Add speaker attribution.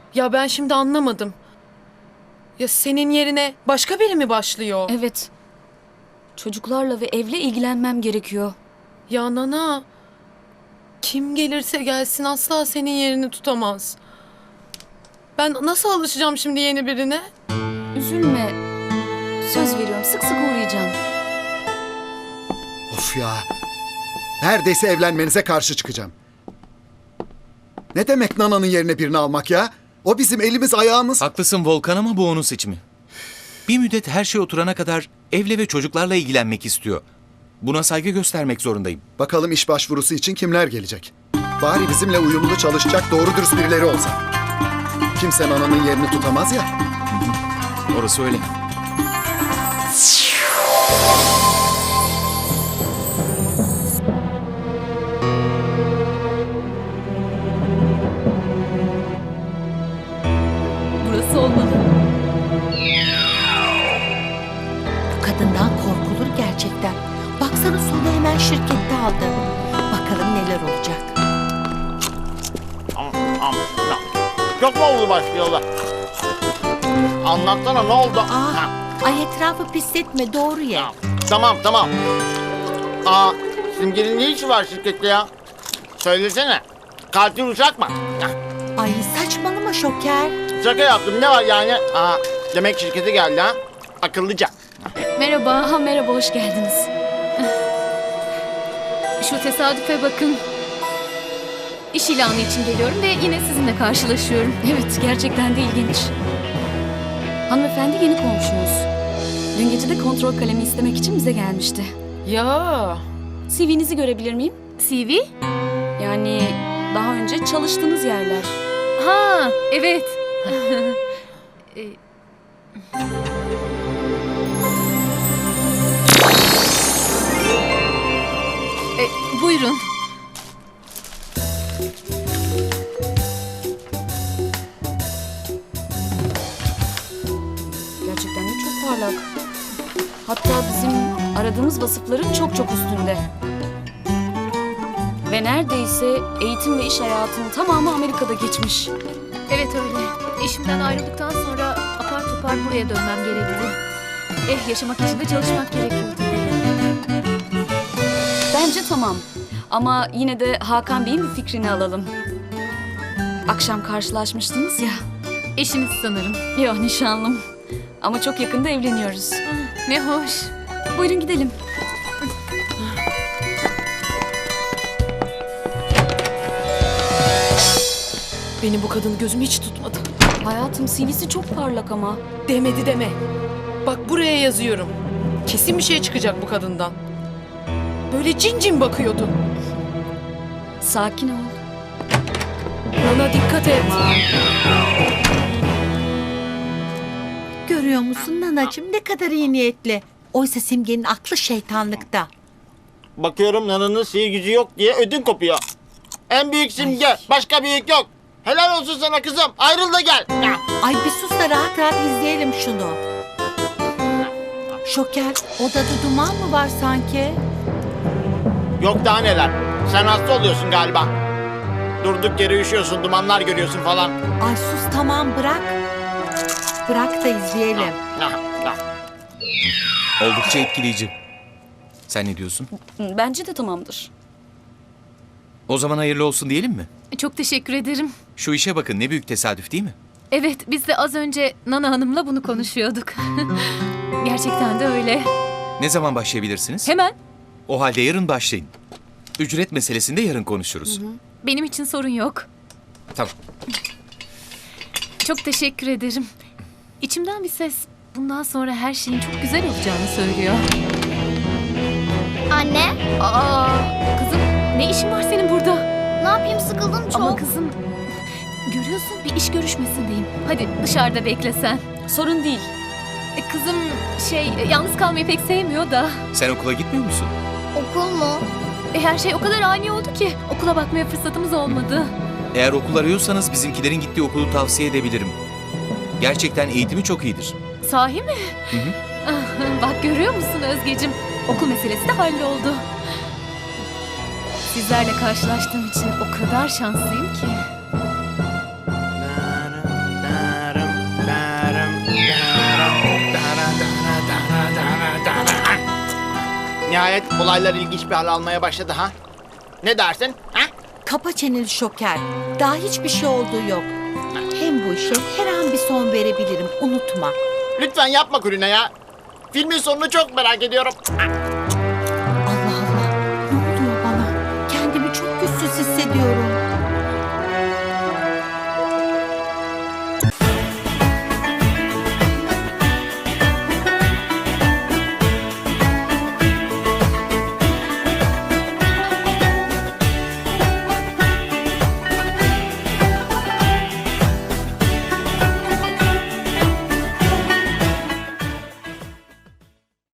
Speaker 1: Ya ben şimdi anlamadım. Ya senin yerine başka biri mi başlıyor?
Speaker 2: Evet. Çocuklarla ve evle ilgilenmem gerekiyor.
Speaker 1: Ya Nana, kim gelirse gelsin asla senin yerini tutamaz. Ben nasıl alışacağım şimdi yeni birine?
Speaker 2: Üzülme. Söz veriyorum, sık sık uğrayacağım.
Speaker 3: Of ya. Neredeyse evlenmenize karşı çıkacağım. Ne demek Nana'nın yerine birini almak ya? O bizim elimiz ayağımız.
Speaker 4: Haklısın Volkan ama bu onun seçimi. Bir müddet her şey oturana kadar evle ve çocuklarla ilgilenmek istiyor. Buna saygı göstermek zorundayım.
Speaker 3: Bakalım iş başvurusu için kimler gelecek? Bari bizimle uyumlu çalışacak doğru dürüst birileri olsa. Kimse Nana'nın yerini tutamaz ya.
Speaker 4: Orası öyle.
Speaker 2: Burası olmalı.
Speaker 5: Bu kadından korkulur gerçekten. Baksana sonu hemen şirkette aldı. Bakalım neler olacak.
Speaker 6: Çok mu oldu başlıyorlar? Anlatsana ne oldu? Ha,
Speaker 5: Ay etrafı pisletme, doğru ye.
Speaker 6: tamam. Simge'nin ne işi var şirkette ya? Söylesene. Katil uçak mı?
Speaker 5: Ay saçmalama Şoker.
Speaker 6: Şaka yaptım, ne var yani? Demek şirkete geldi ha? Akıllıca.
Speaker 2: Merhaba, merhaba, hoş geldiniz. Şu tesadüfe bakın. İş ilanı için geliyorum ve yine sizinle karşılaşıyorum. Evet, gerçekten de ilginç. Hanımefendi yeni komşumuz. Dün gece de kontrol kalemi istemek için bize gelmişti.
Speaker 1: Ya
Speaker 2: CV'nizi görebilir miyim? CV? Yani daha önce çalıştığınız yerler. Ha, evet. Buyurun. Gerçekten de çok parlak. Hatta bizim aradığımız vasıfların çok çok üstünde. Ve neredeyse eğitim ve iş hayatının tamamı Amerika'da geçmiş.
Speaker 7: Evet öyle. İşimden ayrıldıktan sonra apar topar buraya dönmem gerekti. Yaşamak için de çalışmak gerekiyordu.
Speaker 2: Bence tamam. Ama yine de Hakan Bey'in bir fikrini alalım. Akşam karşılaşmıştınız ya.
Speaker 7: Eşiniz sanırım.
Speaker 2: Yok, nişanlım. Ama çok yakında evleniyoruz.
Speaker 7: Ne hoş.
Speaker 2: Buyurun gidelim.
Speaker 1: benim bu kadını gözüm hiç tutmadı.
Speaker 2: Hayatım, CV'si çok parlak ama.
Speaker 1: Demedi deme. Bak buraya yazıyorum. Kesin bir şey çıkacak bu kadından. Böyle cin cin bakıyordu.
Speaker 2: Sakin ol.
Speaker 1: Nana dikkat et.
Speaker 5: Görüyor musun Nanacığım, ne kadar iyi niyetli. Oysa Simge'nin aklı şeytanlıkta.
Speaker 6: Bakıyorum Nana'nın sihir gücü yok diye ödün kopuyor. En büyük Simge, başka büyük yok. Helal olsun sana kızım, ayrıl da gel.
Speaker 5: Ay bir sus da rahat rahat izleyelim şunu. Şoker, odada duman mı var sanki?
Speaker 6: Yok daha neler. Sen hasta oluyorsun galiba. Durduk yere üşüyorsun, dumanlar görüyorsun falan.
Speaker 5: Ay sus, tamam, bırak. Bırak da izleyelim.
Speaker 4: Oldukça etkileyici. Sen ne diyorsun?
Speaker 2: Bence de tamamdır.
Speaker 4: O zaman hayırlı olsun diyelim mi?
Speaker 7: Çok teşekkür ederim.
Speaker 4: Şu işe bakın, ne büyük tesadüf değil mi?
Speaker 7: Evet, biz de az önce Nana Hanım'la bunu konuşuyorduk. Gerçekten de öyle.
Speaker 4: Ne zaman başlayabilirsiniz?
Speaker 7: Hemen.
Speaker 4: O halde yarın başlayın. Ücret meselesinde yarın konuşuruz.
Speaker 7: Benim için sorun yok.
Speaker 4: Tamam.
Speaker 7: Çok teşekkür ederim. İçimden bir ses bundan sonra her şeyin çok güzel olacağını söylüyor.
Speaker 8: Anne,
Speaker 7: Kızım, ne işin var senin burada?
Speaker 8: ne yapayım, sıkıldım çok.
Speaker 7: Ama kızım, görüyorsun bir iş görüşmesindeyim. Hadi dışarıda bekle sen.
Speaker 2: Sorun değil.
Speaker 7: Kızım yalnız kalmayı pek sevmiyor da.
Speaker 4: Sen okula gitmiyor musun?
Speaker 8: Okul mu?
Speaker 7: Her şey o kadar ani oldu ki okula bakmaya fırsatımız olmadı.
Speaker 4: Eğer okul arıyorsanız bizimkilerin gittiği okulu tavsiye edebilirim. Gerçekten eğitimi çok iyidir.
Speaker 7: Sahi mi?
Speaker 4: Hı hı.
Speaker 7: Bak görüyor musun Özgeciğim? Okul meselesi de halloldu. Sizlerle karşılaştığım için o kadar şanslıyım ki.
Speaker 6: Nihayet olaylar ilginç bir hal almaya başladı ha. Ne dersin? Ha?
Speaker 5: Kapa çeneni Şoker. Daha hiçbir şey olduğu yok. Hem bu işe her an bir son verebilirim. Unutma.
Speaker 6: Lütfen yapma Kulina ya. Filmin sonunu çok merak ediyorum.
Speaker 5: Allah Allah. Ne oluyor bana? Kendimi çok güçsüz hissediyorum.